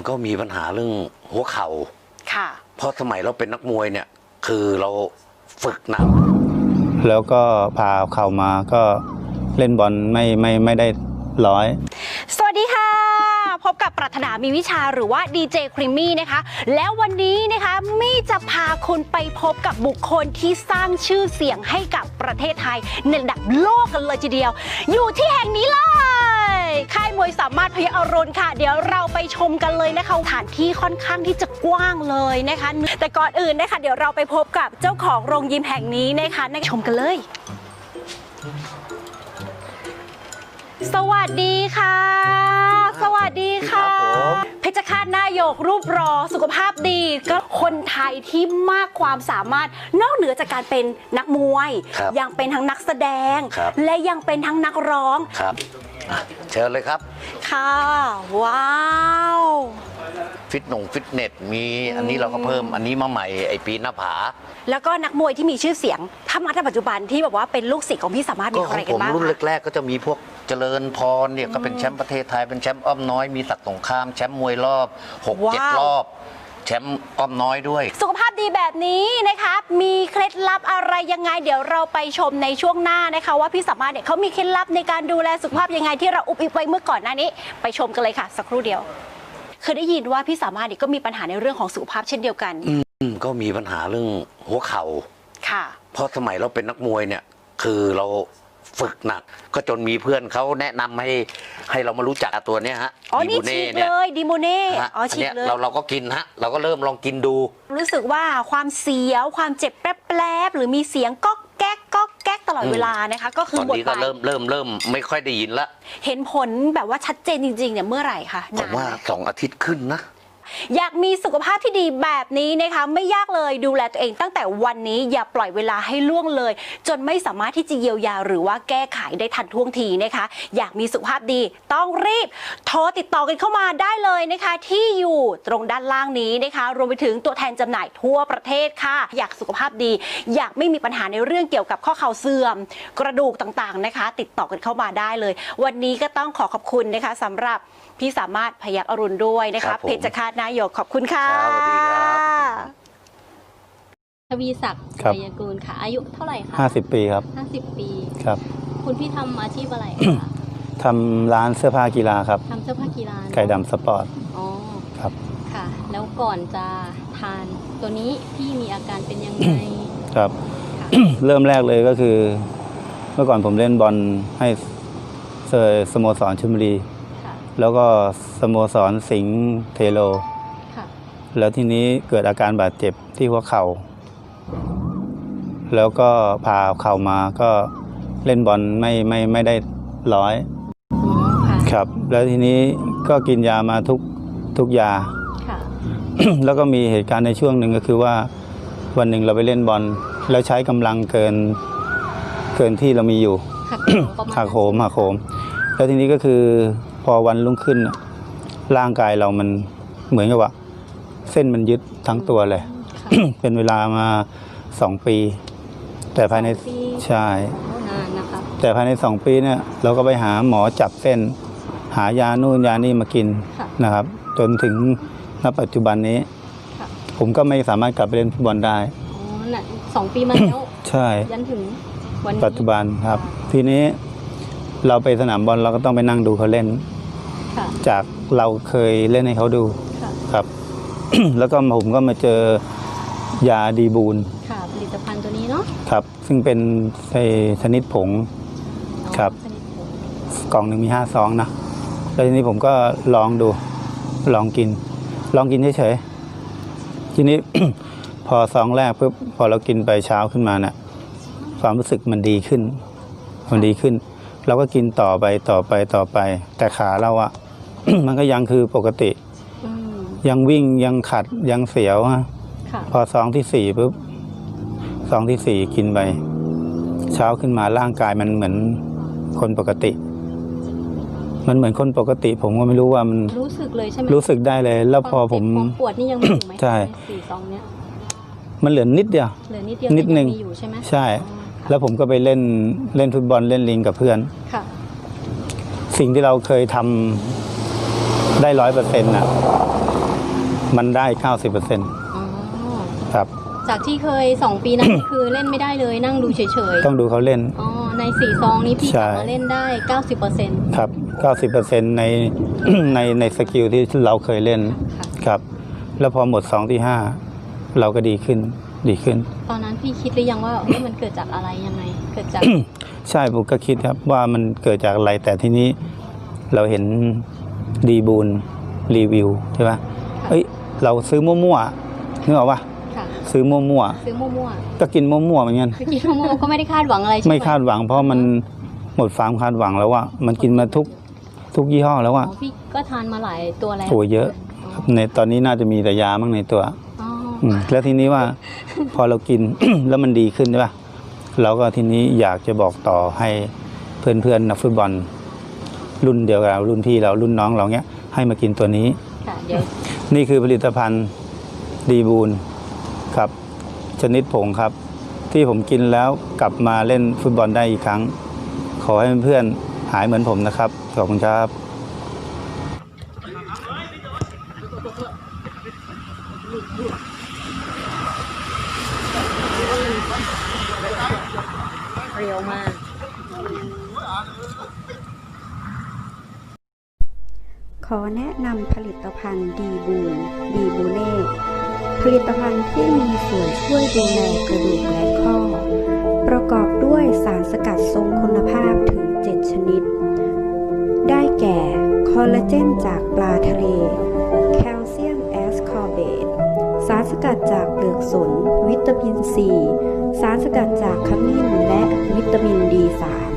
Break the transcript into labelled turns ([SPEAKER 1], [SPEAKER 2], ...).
[SPEAKER 1] ก็มีปัญหาเรื่องหัวเข่า
[SPEAKER 2] ค่ะ
[SPEAKER 1] เพราะสมัยเราเป็นนักมวยเนี่ยคือเราฝึกหนัก
[SPEAKER 3] แล้วก็พาเข่ามาก็เล่นบอลไม่ได้ร้อย
[SPEAKER 2] สวัสดีค่ะพบกับปรารถนามีวิชาหรือว่าดีเจครีมมี่นะคะแล้ววันนี้นะคะมี่จะพาคุณไปพบกับบุคคลที่สร้างชื่อเสียงให้กับประเทศไทยในระดับโลกกันเลยทีเดียวอยู่ที่แห่งนี้เลยค่ายมวยสามารถพยัคฆ์อรุณค่ะเดี๋ยวเราไปชมกันเลยนะคะสถานที่ค่อนข้างที่จะกว้างเลยนะคะแต่ก่อนอื่นนะคะเดี๋ยวเราไปพบกับเจ้าของโรงยิมแห่งนี้นะคะชมกันเลยสวัสดีค่ะสวัสดีค่ะเพชรฆาตนายกรูปรอสุขภาพดีก็คนไทยที่มากความสามารถนอกเหนือจากการเป็นนักมวยยังเป็นทั้งนักแสดงและยังเป็นทั้งนักร้อง
[SPEAKER 1] ครับเชิญเลยครับ
[SPEAKER 2] ค่ะว้าว
[SPEAKER 1] ฟิตเนสมีอันนี้เราก็เพิ่มอันนี้มาใหม่ไอปีหน้าผา
[SPEAKER 2] แล้วก็นักมวยที่มีชื่อเสียงถ้ามาในปัจจุบันที่แบบว่าเป็นลูกศิษย์ของพี่สามารถมีใครกันบ้าง
[SPEAKER 1] ผมรุ่นแรกๆก็จะมีพวกเจริญพรเนี่ยก็เป็นแชมป์ประเทศไทยเป็นแชมป์อ้อมน้อยมีศักดิ์สงครามแชมป์มวยรอบ 6-7 รอบแชมป์อ้อมน้อยด้วย
[SPEAKER 2] สุขภาพดีแบบนี้นะคะมีเคล็ดลับอะไรยังไงเดี๋ยวเราไปชมในช่วงหน้านะคะว่าพี่สามารถเนี่ยเขามีเคล็ดลับในการดูแลสุขภาพยังไงที่เราอุบอิบไว้เมื่อก่อนหน้านี้ไปชมกันเลยค่ะสักครู่เดียวเคยได้ยินว่าพี่สามารถเนี่ยก็มีปัญหาในเรื่องของสุขภาพเช่นเดียวกัน
[SPEAKER 1] ก็มีปัญหาเรื่องหัวเข่า
[SPEAKER 2] ค่ะ
[SPEAKER 1] เพราะสมัยเราเป็นนักมวยเนี่ยคือเราฝึกหนักก็จนมีเพื่อนเขาแนะนำให้เรามารู้จักตัวเนี้ยฮะ
[SPEAKER 2] ดิโมเน่เลยดิโมเน่
[SPEAKER 1] ฉีกเลยเราก็กินฮะเราก็เริ่มลองกินดู
[SPEAKER 2] รู้สึกว่าความเสียวความเจ็บแป๊บๆหรือมีเสียงก๊อกแก๊กตลอดเวลานะคะก็คือ
[SPEAKER 1] หมดไปตอนนี้ก็เริ่มไม่ค่อยได้ยินละ
[SPEAKER 2] เห็นผลแบบว่าชัดเจนจริงๆเนี่ยเมื่อไหร่คะ
[SPEAKER 1] ผมว่า2 อาทิตย์ขึ้นนะ
[SPEAKER 2] อยากมีสุขภาพที่ดีแบบนี้นะคะไม่ยากเลยดูแลตัวเองตั้งแต่วันนี้อย่าปล่อยเวลาให้ล่วงเลยจนไม่สามารถที่จะเยียวยาหรือว่าแก้ไขได้ทันท่วงทีนะคะอยากมีสุขภาพดีต้องรีบโทรติดต่อกันเข้ามาได้เลยนะคะที่อยู่ตรงด้านล่างนี้นะคะรวมไปถึงตัวแทนจำหน่ายทั่วประเทศค่ะอยากสุขภาพดีอยากไม่มีปัญหาในเรื่องเกี่ยวกับข้อเข่าเสื่อมกระดูกต่างๆนะคะติดต่อกันเข้ามาได้เลยวันนี้ก็ต้องขอขอบคุณนะคะสำหรับพี่สามารถพยัคฆ์อรุณด้วยนะคะเพชรฆาตนายกขอบคุณค่ะ
[SPEAKER 1] สวัสดีครับ
[SPEAKER 4] ทวีศักดิ์ชัยกูลค่ะอายุเท่าไหร่คะ
[SPEAKER 3] 50 ปีครับ
[SPEAKER 4] 50 ปี
[SPEAKER 3] ครับ
[SPEAKER 4] คุณพี่ทำอาชีพอะไรคะ
[SPEAKER 3] ทำร้านเสื้อผ้ากีฬาครับ
[SPEAKER 4] ทำเสื้อผ้ากีฬา
[SPEAKER 3] ไก่ดำสปอร์ต
[SPEAKER 4] อ๋อ
[SPEAKER 3] ครับ
[SPEAKER 4] ค่ะแล้วก่อนจะทานตัวนี้พี่มีอาการเป็นยังไง
[SPEAKER 3] ครับ เริ่มแรกเลยก็คือเมื่อก่อนผมเล่นบอลให้สโมสรชลบุรีแล้วก็สโมสรสิงห์เทโลแล้วทีนี้เกิดอาการบาดเจ็บที่หัวเข่าแล้วก็พาเข่ามาก็เล่นบอลไม่ได้ร้อยครับแล้วทีนี้ก็กินยามาทุกยาแล้วก็มีเหตุการณ์ในช่วงหนึ่งก็คือว่าวันหนึ่งเราไปเล่นบอลแล้วใช้กำลังเกินที่เรามีอยู่หักโหมแล้วทีนี้ก็คือพอวันรุ่งขึ้นร่างกายเรามันเหมือนกับว่าเส้นมันยึดทั้งตัวเลย เป็นเวลามา2 ปีแต่ภายในใช่แต่ภายใน2 ปีเนี่ยเราก็ไปหาหมอจับเส้นหายานู่นยานี่มากินนะครับจนถึงณปัจจุบันนี้ผมก็ไม่สามารถกลับไปเล่นฟุตบอลได้
[SPEAKER 4] 2 ปีมาแล้ว
[SPEAKER 3] ใช่
[SPEAKER 4] ยันถึงวัน
[SPEAKER 3] ปัจจุบันครับทีนี้เราไปสนามบอลเราก็ต้องไปนั่งดูเขาเล่นจากเราเคยเล่นให้เขาดูครับ แล้วก็ผมก็มาเจอยาดีบูล
[SPEAKER 4] ค่ะผลิตภัณฑ์ตัวนี้เนาะ
[SPEAKER 3] ครับซึ่งเป็นชนิดผงครับกล่องหนึ่งมี5 ซองนะแล้วทีนี้ผมก็ลองดูลองกินเฉยๆทีนี้ พอซองแรกปุ๊บพอเรากินไปเช้าขึ้นมาเนี่ยความรู้สึกมันดีขึ้นเราก็กินต่อไปแต่ขาเราอะ มันก็ยังคือปกติยังวิ่งยังขัดยังเสียวฮะพอซองที่4ปุ๊บซองที่4กินไปเช้าขึ้นมาร่างกายมันเหมือนคนปกติมันเหมือนคนปกติผมก็ไม่รู้ว่ามัน
[SPEAKER 4] รู้สึกเลยใช่ไหม
[SPEAKER 3] รู้สึกได้เลยแล้วพอผม
[SPEAKER 4] ปวดนี่ยังมีอยู่ไหม
[SPEAKER 3] ใช่
[SPEAKER 4] 4 ซองเนี้ย
[SPEAKER 3] มันเหลือนิดเดียวนิดนึง
[SPEAKER 4] ใช่ไหม
[SPEAKER 3] ใช่แล้วผมก็ไปเล่นฟุตบอลเล่นลิงกับเพื่อนสิ่งที่เราเคยทำได้100%น่ะมันได้ 90%
[SPEAKER 4] อ๋อ
[SPEAKER 3] ครับ
[SPEAKER 4] จากที่เคย 2 ปีนั้น คือเล่นไม่ได้เลยนั่งดูเฉย
[SPEAKER 3] ต้องดูเขาเล่น
[SPEAKER 4] ๆอ๋อใน4ซองนี้พี่ก
[SPEAKER 3] ใช่
[SPEAKER 4] ลับมาเล่นได้ 90%
[SPEAKER 3] ครับ 90% ใน ในสกิลที่เราเคยเล่น
[SPEAKER 4] ค่ะ
[SPEAKER 3] ครับ แล้วพอหมด2ที่ 5 เราก็ดีขึ้น
[SPEAKER 4] ตอนนั้นพี่คิดหรือยังว่าเฮ้ยมันเกิดจากอะไรยังไง เกิดจาก
[SPEAKER 3] ใช่ผมก็คิดครับว่ามันเกิดจากอะไร แต่ทีนี้เราเห็นดีบูลรีวิวใช่ปะเอ้ย เราซื้อมั่วๆนึกออกปะ
[SPEAKER 4] ค่ะ
[SPEAKER 3] ซื้อมั่ว
[SPEAKER 4] ซื้อมั่ว
[SPEAKER 3] ๆก็กินมั่วๆเหมือนกัน
[SPEAKER 4] ๆคือกินมั่วๆก็ไม่ได้คาดหวังอะไรใช่ไหม
[SPEAKER 3] ไม่คาดหวังเพราะมันหมดความคาดหวังแล้วว่ามันกินมาทุกยี่ห้อแล้วว่า
[SPEAKER 4] อ๋อพี่ก็ทานมาหลายตัวแล้ว
[SPEAKER 3] โอ้เยอะครับในตอนนี้น่าจะมีแต่ยามั่งในตัว
[SPEAKER 4] อ๋อ
[SPEAKER 3] แล้วทีนี้ว่า พอเรากิน แล้วมันดีขึ้นใช่ปะเราก็ทีนี้อยากจะบอกต่อให้เพื่อนๆนักฟุตบอล รุ่นเดียวกับเรารุ่นพี่เรารุ่นน้องเราเนี้ยให้มากินตัวนี้
[SPEAKER 4] ค่ะเดี๋ยว
[SPEAKER 3] นี่คือผลิตภัณฑ์ดีบูลครับชนิดผงครับ ที่ผมกินแล้วกลับมาเล่นฟุตบอลได้อีกครั้ง ขอให้เพื่อนๆหายเหมือนผมนะครับขอบคุณครับ
[SPEAKER 4] เร็วมาก
[SPEAKER 5] ขอแนะนำผลิตภัณฑ์ดีบูเน่ผลิตภัณฑ์ที่มีส่วนช่วยดูแลกระดูกและข้อ ประกอบด้วยสารสกัดทรงคุณภาพถึง 7 ชนิด ได้แก่ คอลลาเจนจากปลาทะเล แคลเซียมแอสคอร์เบต สารสกัดจากเปลือกสน วิตามินซี สารสกัดจากขมิ้นและวิตามิน D3